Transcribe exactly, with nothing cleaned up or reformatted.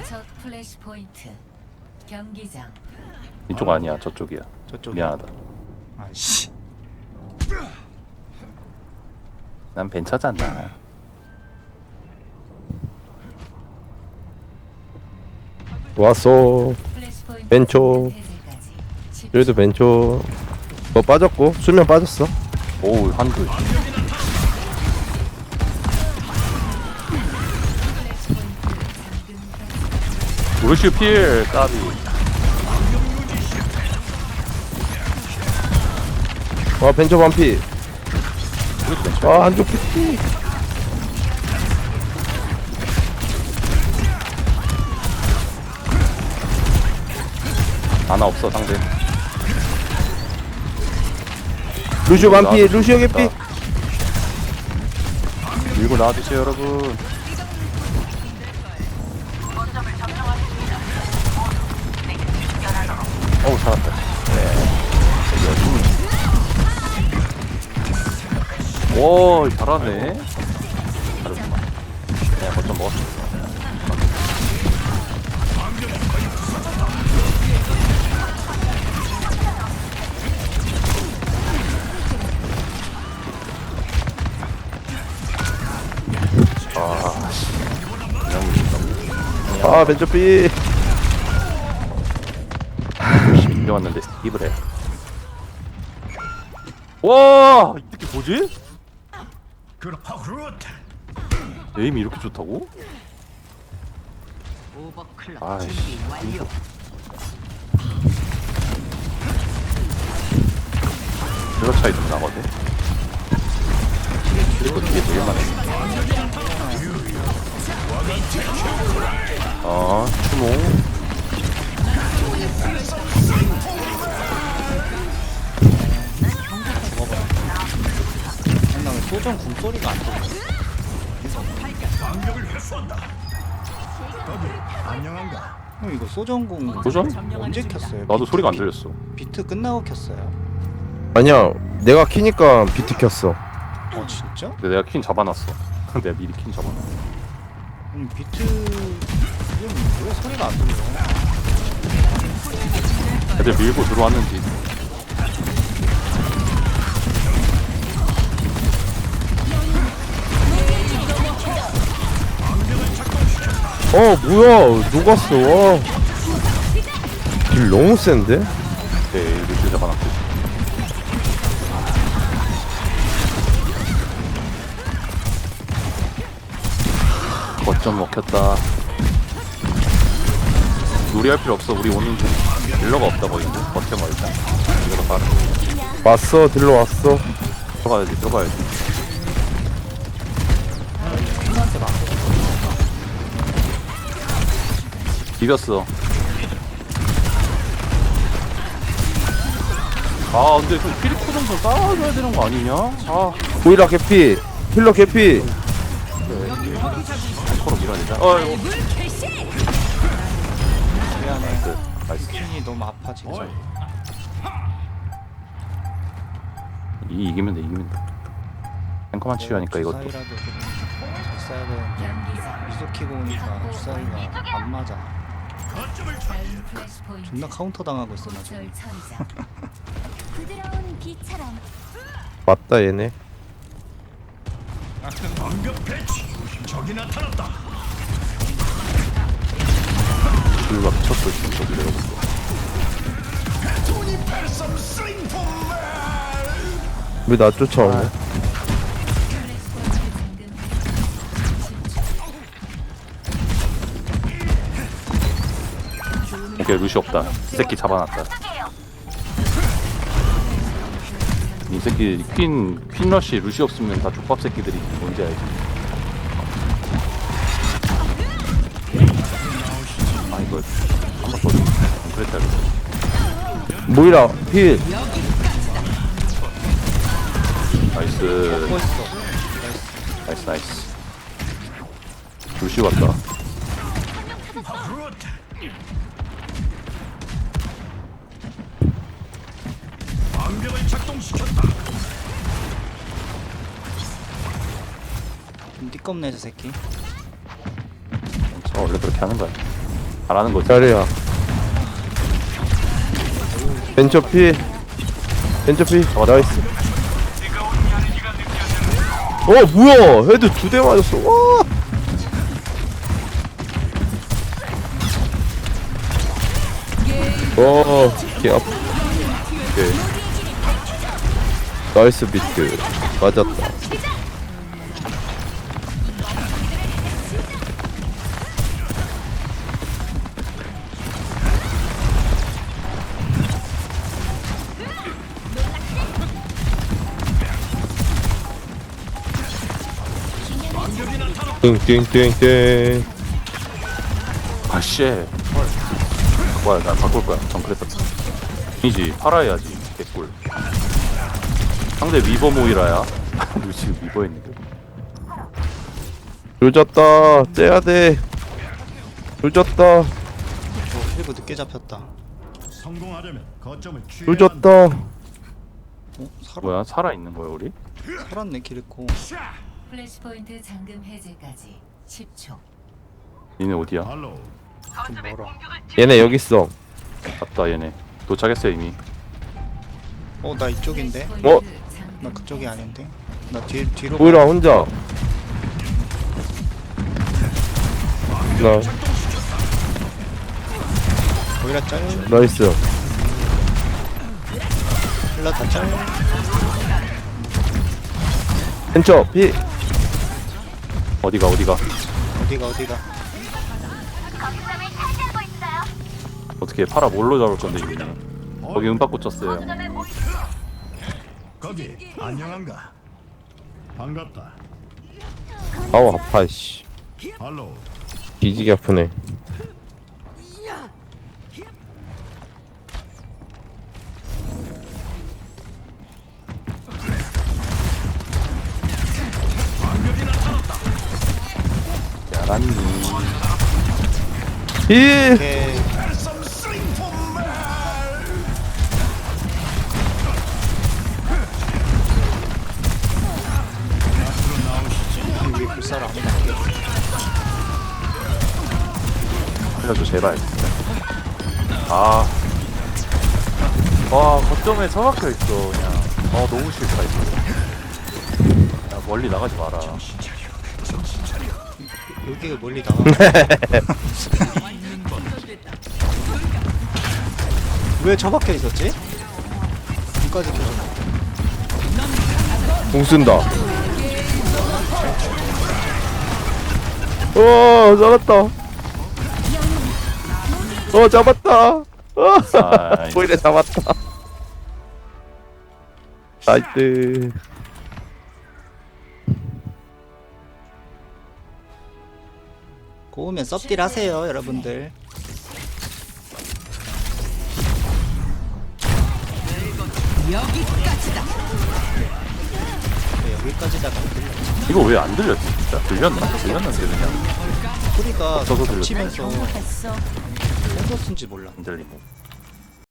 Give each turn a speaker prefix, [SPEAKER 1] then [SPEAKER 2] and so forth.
[SPEAKER 1] 첫 플래시 포인트 경기장.
[SPEAKER 2] 이쪽 아니야, 저쪽이야.
[SPEAKER 3] 저쪽.
[SPEAKER 2] 미안하다.
[SPEAKER 3] 아씨.
[SPEAKER 2] 난 벤처잖아.
[SPEAKER 4] 왔어.
[SPEAKER 1] 플래시 포인트
[SPEAKER 4] 벤초.
[SPEAKER 1] 해제까지 십
[SPEAKER 4] 여기도 벤초. 뭐 빠졌고 수면 빠졌어.
[SPEAKER 2] 오우, 한글. 루시우 필, 까비.
[SPEAKER 4] 와 벤초 반피.
[SPEAKER 2] 이것도 벤처.
[SPEAKER 4] 아 한쪽 피피.
[SPEAKER 2] 하나 없어, 상대.
[SPEAKER 4] 루시오 반피.
[SPEAKER 2] 나와주시면
[SPEAKER 4] 루시오 개피.
[SPEAKER 2] 좋겠다. 밀고 나와주세요, 여러분. 어우, 살았다. 네. 오, 잘하네. 잘했구만. 그냥 거점 먹었어. 아, 씨. 그냥 밀린다.
[SPEAKER 4] 아 벤초 피.
[SPEAKER 2] 밀려왔는데 입을 해. 와, 이 새끼 뭐지? 에임이 이렇게 좋다고? 아이씨. 이거 차이 좀 나거든. 그리고 이게 되게 많네. 어, 추모.
[SPEAKER 3] 한나왜 소전 궁소리가 안 들려? 형 이거 소전궁
[SPEAKER 2] 소전?
[SPEAKER 3] 언제 켰어요?
[SPEAKER 2] 나도
[SPEAKER 3] 비트
[SPEAKER 2] 소리가 안
[SPEAKER 3] 키-
[SPEAKER 2] 들렸어.
[SPEAKER 3] 비트 끝나고 켰어요?
[SPEAKER 4] 아니야 내가 키니까 비트 켰어.
[SPEAKER 3] 어 진짜?
[SPEAKER 2] 근데 내가 퀸 잡아놨어. 내가 미리 퀸 잡아놨어.
[SPEAKER 3] 음, 비트 이건 왜 소리가 안 들려?
[SPEAKER 2] 애들 밀고 들어왔는지.
[SPEAKER 4] 어 뭐야 녹았어. 와. 딜 너무 센데?
[SPEAKER 2] 네, 루시 잡아놨고. 거점 먹혔다. 무리할 필요 없어. 우리 오는 중 딜러가 없다 보이는데. 버텨봐 일단. 이거 봐.
[SPEAKER 4] 왔어 딜러 왔어.
[SPEAKER 2] 들어가야지, 들어가야지. 비볐어. 아, 근데 좀 피리코 정도 쌓아줘야 되는 거 아니냐? 아,
[SPEAKER 4] 보이라 개피. 힐러 개피.
[SPEAKER 2] 서로 밀어내자. 어, 이거.
[SPEAKER 3] 미안해.
[SPEAKER 2] 그, 나이스.
[SPEAKER 3] 스킨이 너무 아파 진짜.
[SPEAKER 2] 이 이기면 돼, 이기면 돼. 탱커만 치유하니까 이것도.
[SPEAKER 3] 주사위라도 좀잘 써야 되는데
[SPEAKER 1] 경기장.
[SPEAKER 3] 미소 키고 오니까 주사위가 안 맞아.
[SPEAKER 1] 자유 플래시 포인트
[SPEAKER 3] 존나 카운터 당하고 있어 나 지금.
[SPEAKER 1] 절 처리장.
[SPEAKER 5] 부드러운 비처럼
[SPEAKER 4] 맞다 얘네.
[SPEAKER 2] 불과 미쳤어, 진짜. 내려봤어.
[SPEAKER 4] 왜 나 쫓아오네?
[SPEAKER 1] 플래시 포인트 잠금.
[SPEAKER 2] 오케이, 루시 없다. 이 새끼 잡아놨다. 이 새끼 퀸, 퀸 러쉬 루시 없으면 다 족밥 새끼들이 뭔지 알지? 아, 이거 한번 더 그랬다, 이거.
[SPEAKER 4] 모이라 필.
[SPEAKER 2] 나이스.
[SPEAKER 3] 멋있어.
[SPEAKER 2] 나이스, 나이스. 루시 왔다.
[SPEAKER 3] 좀 띠껍네 저 새끼.
[SPEAKER 2] 저 원래 그렇게 하는 거야. 잘하는 거지.
[SPEAKER 4] 자리야. 벤처 피. 벤처 피. 나이스. 어 뭐야? 헤드 두 대 맞았어. 와. 어, 개 아프. 오케이. 나이스 비트. 맞았다. 띵띵띵띵.
[SPEAKER 2] 아씨. 뭐야 나 바꿀 거야. 정크레서. 이지 팔아야지. 개꿀. 상대 위버 모이라야. 루시 위버 했는데.
[SPEAKER 4] 조졌다. 째야 돼. 조졌다.
[SPEAKER 3] 어, 힐브 늦게 잡혔다.
[SPEAKER 6] 성공하려면 거점을 취해야
[SPEAKER 4] 조졌다.
[SPEAKER 3] 어? 살아,
[SPEAKER 2] 뭐야 살아 있는 거야 우리?
[SPEAKER 3] 살았네 키리코.
[SPEAKER 1] 플래시 포인트 잠금 해제까지 십 초.
[SPEAKER 2] 니네 어디야?
[SPEAKER 6] 발로
[SPEAKER 3] 좀 멀어.
[SPEAKER 4] 얘네 여기 있어.
[SPEAKER 2] 갔다 얘네. 도착했어 이미.
[SPEAKER 3] 어 나 이쪽인데?
[SPEAKER 1] 플래시
[SPEAKER 4] 어?
[SPEAKER 1] 포인트 잠금
[SPEAKER 3] 나 그쪽이
[SPEAKER 1] 해제.
[SPEAKER 3] 아닌데? 나 뒤, 뒤로
[SPEAKER 4] 보이라 혼자. 나
[SPEAKER 3] 보이라 짤.
[SPEAKER 4] 나이스.
[SPEAKER 3] 힐라 다 짤.
[SPEAKER 4] 벤처 피.
[SPEAKER 2] 어디가 어디가?
[SPEAKER 3] 어디가 어디가.
[SPEAKER 2] 어떻게 팔아 뭘로 잡을 건데 이미. 거기 은박 꽂혔어요.
[SPEAKER 6] 거기 안녕한가? 반갑다.
[SPEAKER 4] 아우 아파 씨.
[SPEAKER 6] 발로
[SPEAKER 4] 뒤지게 아프네.
[SPEAKER 2] 야란니.
[SPEAKER 4] 히.
[SPEAKER 3] 오케이. 이 위에 불사를 안 맞게.
[SPEAKER 2] 살려줘 제발. 아. 와 거점에 처박혀 있어 그냥. 아 너무 싫다 이거. 야 멀리 나가지 마라.
[SPEAKER 3] 여기가 멀리 나가. 왜 저박혀 있었지? 여기까지 켜져.
[SPEAKER 4] 공 쓴다. 어 잡았다. 어 잡았다. 어
[SPEAKER 2] 아이.
[SPEAKER 4] 보이래 잡았다. 나이스.
[SPEAKER 3] 고우면 썹딜 하세요 여러분들. 네, 여기까지다가 들려.
[SPEAKER 2] 이거 왜 안 들렸지 진짜? 들렸나? 들렸는데 그냥
[SPEAKER 3] 소리가
[SPEAKER 2] 없어서 들렸네.
[SPEAKER 3] 겹치면서 랜더스인지 몰라.
[SPEAKER 2] 안 들리네.